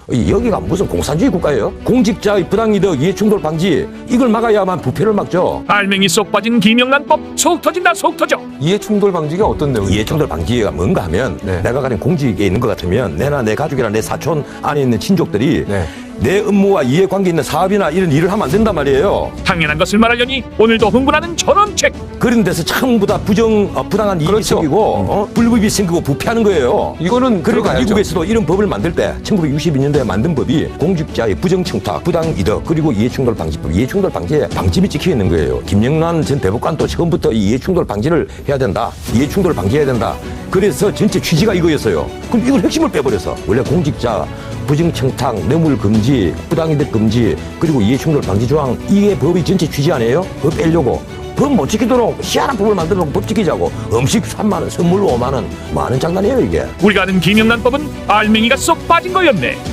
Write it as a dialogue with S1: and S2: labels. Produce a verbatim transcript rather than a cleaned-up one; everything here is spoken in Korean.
S1: 여기가 무슨 공산주의 국가예요? 공직자의 부당이득, 이해충돌 방지 이걸 막아야만 부패를 막죠.
S2: 알맹이 쏙 빠진 김영란법 속 터진다 속 터져.
S3: 이해충돌 방지가 어떤 내용입니까?
S1: 이해충돌 방지가 뭔가 하면
S3: 네.
S1: 내가 가진 공직에 있는 것 같으면 내나 내 가족이나 내 사촌 안에 있는 친족들이
S3: 네.
S1: 내 업무와 이해관계 있는 사업이나 이런 일을 하면 안 된단 말이에요.
S2: 당연한 것을 말하려니 오늘도 흥분하는 전원책.
S1: 그런 데서 전부 다 부정, 어, 부당한 이익이
S3: 그렇죠.
S1: 생기고 어? 불법이 생기고 부패하는 거예요.
S3: 이거는
S1: 그러니까
S3: 들어가야죠.
S1: 미국에서도 이런 법을 만들 때 천구백육십이 년도에 만든 법이 공직자의 부정청탁, 부당이득 그리고 이해충돌 방지법, 이해충돌 방지에 방침이 찍혀 있는 거예요. 김영란 전 대법관도 처음부터 이 이해충돌 방지를 해야 된다, 이해충돌 방지해야 된다. 그래서 전체 취지가 이거였어요. 그럼 이걸 핵심을 빼버려서 원래 공직자 부정청탁, 뇌물 금지, 부당이득 금지 그리고 이해충돌 방지 조항 이게 법의 전체 취지 아니에요? 그거 빼려고 법 못 지키도록 희한한 법을 만들어 놓고 법 지키자고 음식 삼만 원, 선물 오만 원 뭐 하는 장난이에요 이게.
S2: 우리가 아는 김영란법은 알맹이가 쏙 빠진 거였네.